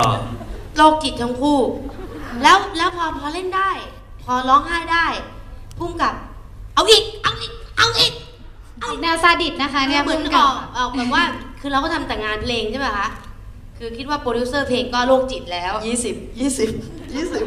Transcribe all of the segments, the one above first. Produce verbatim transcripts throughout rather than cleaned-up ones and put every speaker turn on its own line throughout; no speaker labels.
โรคจิตทั้งคู่แล้วแล้วพอพอเล่นได้พอร้องไห้ได้พุ่งกับเอาอีกเอาอีกเอาอีก
ออกแนวซาดิสนะคะเนี่ย
เหมือนออกออกแบบว่าคือเราก็ทำแต่งานเพลงใช่ไหมคะคือคิดว่าโปรดิวเซอร์เพลงก็โรคจิตแล้ว
ยี่สิบยี่สิบยี่สิบ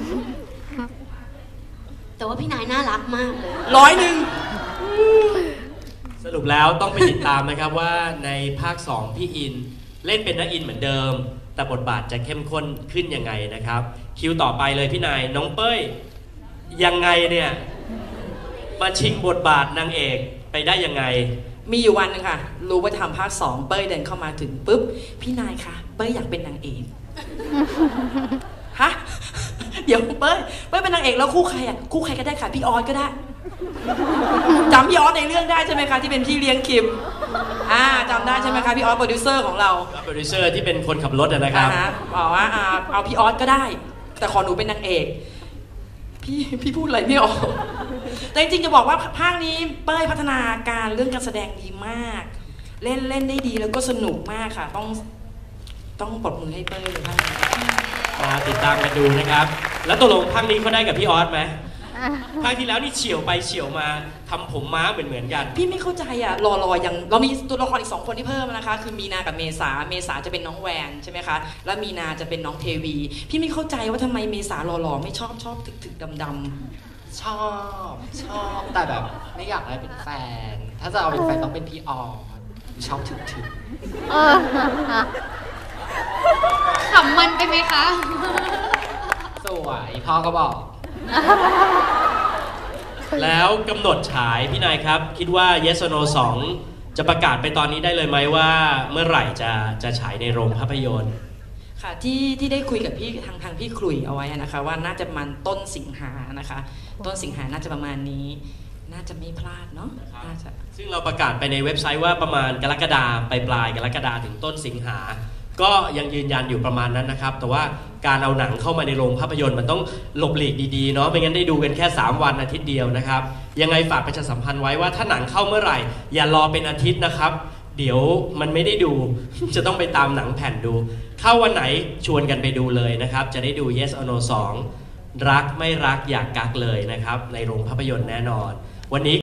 แต่ว่าพี่นายน่ารักมากเลย
ร้อยหนึ่ง
สรุปแล้วต้องไปติดตามนะครับว่าในภาคสองพี่อินเล่นเป็นนักอินเหมือนเดิมแต่บทบาทจะเข้มข้นขึ้นยังไงนะครับคิวต่อไปเลยพี่นายน้องเป้ยยังไงเนี่ยมาชิงบทบาทนางเอกไปได้ยังไง
มีอยู่วันนึงค่ะรู้ว่าทำภาคสองเป้ยเดินเข้ามาถึงปุ๊บพี่นายคะเป้ยอยากเป็นนางเอกฮะเดี๋ยวเป้ยเป้ยเป็นนางเอกแล้วคู่ใครอ่ะคู่ใครก็ได้ค่ะพี่ออสก็ได้จำพี่ออสในเรื่องได้ใช่ไหมคะที่เป็นพี่เลี้ยงคิมอ่าจำได้ใช่ไหมคะพี่ออสโปรดิวเซอร์ของเรา
โปรดิวเซอร์ที่เป็นคนขับรถนะครับ
บอกว่าเอาพี่ออสก็ได้แต่ขอหนูเป็นนางเอกพี่พี่พูดอะไรไม่ออกแต่จริงๆจะบอกว่าภาคนี้เป้ยพัฒนาการเรื่องการแสดงดีมากเล่นเล่นได้ดีแล้วก็สนุกมากค่ะต้องต้องปรบมือให้เป้ยเลยค่ะ
มาติดตามกันดูนะครับแล้วตกลงภาคนี้เขาได้กับพี่ออสไหมภาคที่แล้วนี่เฉียวไปเฉียวมาทำผมม้าเหมือนเหมือนกัน
พี่ไม่เข้าใจอ่ะรอรอยังเรามีตัวละครอีกสองคนที่เพิ่มนะคะคือมีนากับเมษาเมษาจะเป็นน้องแวนใช่ไหมคะแล้วมีนาจะเป็นน้องเทวีพี่ไม่เข้าใจว่าทำไมเมษารอรอไม่ชอบชอบถึกถึกดำด
ำชอบชอบแต่แบบไม่อยากได้เป็นแฟนถ้าจะเอาเป็นแฟนต้องเป็นพี่ออชอบถึกถึก
ขำมันไปไหมคะ
สวยพ่อก็บอก
แล้วกำหนดฉายพี่นายครับคิดว่า Yes or No สองจะประกาศไปตอนนี้ได้เลยไหมว่าเมื่อไหร่จะจะฉายในโรงภาพยนตร์
ค่ะที่ที่ได้คุยกับพี่ทางทางพี่คลุยเอาไว้นะคะว่าน่าจะประมาณต้นสิงหานะคะต้นสิงหาน่าจะประมาณนี้น่าจะไม่พลาดเนาะน่าจะ
ซึ่งเราประกาศไปในเว็บไซต์ว่าประมาณกรกฎาคมไปปลายกรกฎาคมถึงต้นสิงหาก็ยังยืนยันอยู่ประมาณนั้นนะครับแต่ว่าการเอาหนังเข้ามาในโรงภาพยนตร์มันต้องหลบหลีกดีๆเนาะไม่งั้นได้ดูกันแค่สามวันอาทิตย์เดียวนะครับยังไงฝากประชาสัมพันธ์ไว้ว่าถ้าหนังเข้าเมื่อไหร่อย่ารอเป็นอาทิตย์นะครับเดี๋ยวมันไม่ได้ดูจะต้องไปตามหนังแผ่นดูเข้าวันไหนชวนกันไปดูเลยนะครับจะได้ดู Yes or No สองรักไม่รักอยากกักเลยนะครับในโรงภาพยนตร์แน่นอนวันนี้